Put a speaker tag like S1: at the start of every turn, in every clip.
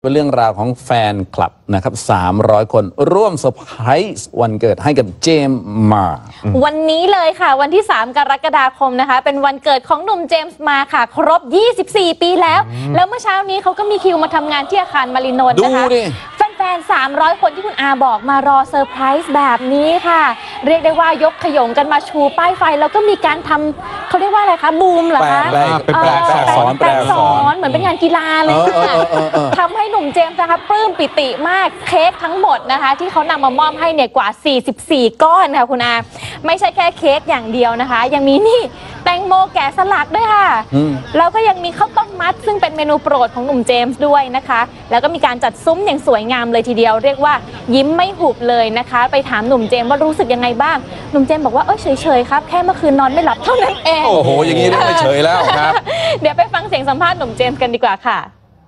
S1: เป็นเรื่องราวของแฟนคลับนะครับ300 คนร่วมเซอร์ไพรส์วันเกิดให้กับเจมส์มา
S2: วันนี้เลยค่ะวันที่3 กรกฎาคมนะคะเป็นวันเกิดของหนุ่มเจมส์มาค่ะครบ24 ปีแล้วเมื่อเช้านี้เขาก็มีคิวมาทำงานที่อาคารมารินนท์นะคะแฟน300 คนที่คุณอาบอกมารอเซอร์ไพรส์แบบนี้ค่ะเรียกได้ว่ายกขยงกันมาชูป้ายไฟแล้วก็มีการทำเขาเรียกว่าอะไรคะบูมเหรอคะ
S1: แปลสอน
S2: เหมือนเป็นงานกีฬาเลยค่ะทำให้หนุ่มเจมส์นะคะปลื้มปิติมากเค้กทั้งหมดนะคะที่เขานำมามอบให้เนี่ยกว่า44 ก้อนค่ะคุณอาไม่ใช่แค่เค้กอย่างเดียวนะคะยังมีนี่แตงโมแกะสลักด้วยค่ะแล้วก็ยังมีข้าวต้มมัดซึ่งเป็นเมนูโปรดของหนุ่มเจมส์ด้วยนะคะแล้วก็มีการจัดซุ้มอย่างสวยงามเลยทีเดียวเรียกว่ายิ้มไม่หุบเลยนะคะไปถามหนุ่มเจมส์ว่ารู้สึกยังไงบ้างหนุ่มเจมส์บอกว่าเฉยๆครับแค่เมื่อคืนนอนไม่หลับเท่านั้นเอง
S1: โอ้โหอย่างนี้ไม่เฉยแล้วครับ
S2: เดี๋ยวไปฟังเสียงสัมภาษณ์หนุ่มเจมส์กันดีกว่าค่ะ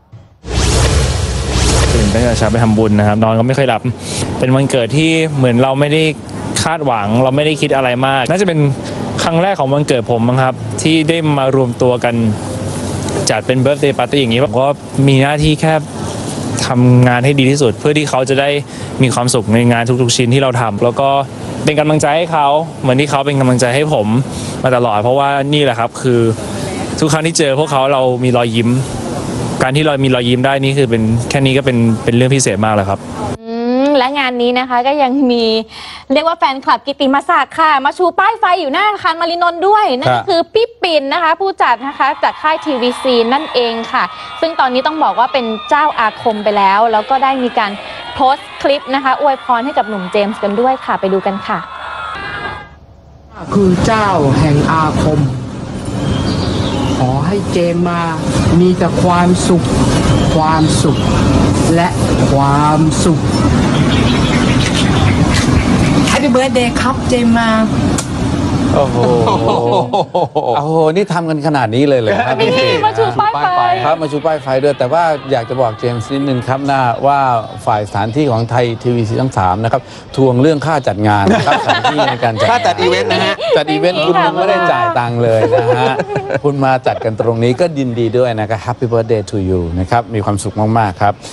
S3: ตื่นตั้งแต่เช้าไปทำบุญนะครับนอนก็ไม่ค่อยหลับเป็นวันเกิดที่เหมือนเราไม่ได้คาดหวังเราไม่ได้คิดอะไรมากน่าจะเป็นครั้งแรกของวันเกิดผมมั้งครับที่ได้มารวมตัวกันจัดเป็นเบิร์ธเดย์ปาร์ตี้อย่างนี้ผมก็มีหน้าที่แค่ทำงานให้ดีที่สุดเพื่อที่เขาจะได้มีความสุขในงานทุกๆชิ้นที่เราทำแล้วก็เป็นกำลังใจให้เขาเหมือนที่เขาเป็นกำลังใจให้ผมมาตลอดเพราะว่านี่แหละครับคือทุกครั้งที่เจอพวกเขาเรามีรอยยิ้มการที่เรามีรอยยิ้มได้นี่คือเป็นแค่นี้ก็เป็นเรื่องพิเศษมากเลยครับ
S2: และงานนี้นะคะก็ยังมีเรียกว่าแฟนคลับกิตติมศักดิ์ค่ะมาชูป้ายไฟอยู่หน้าอาคารมารินนท์ด้วยนั่นก็คือพี่ปิ่นนะคะผู้จัดนะคะจากค่ายทีวีซีนั่นเองค่ะซึ่งตอนนี้ต้องบอกว่าเป็นเจ้าอาคมไปแล้วแล้วก็ได้มีการโพสต์คลิปนะคะอวยพรให้กับหนุ่มเจมส์กันด้วยค่ะไปดูกันค่ะ
S4: คือเจ้าแห่งอาคมขอให้เจมมามีแต่ความสุขและความสุข Happy Birthday ครับเจมมา
S1: โอ้โหนี่ทำกันขนาดนี้เลยครับ
S2: นี่มาชูป้ายไฟ
S1: ครับมาชูป้ายไฟด้วยแต่ว่าอยากจะบอกเจมส์นิดนึงครับว่าฝ่ายสถานที่ของไทยทีวีซีทั้ง3นะครับทวงเรื่องค่าจัดงานนะครับสถานที่ในการจัด
S5: ค่าจัดอีเวนต์นะฮะ
S1: จัดอีเวนต์คุณไม่ได้จ่ายตังค์เลยนะฮะคุณมาจัดกันตรงนี้ก็ยินดีด้วยนะครับ Happy Birthday to you นะครับมีความสุขมากๆครับ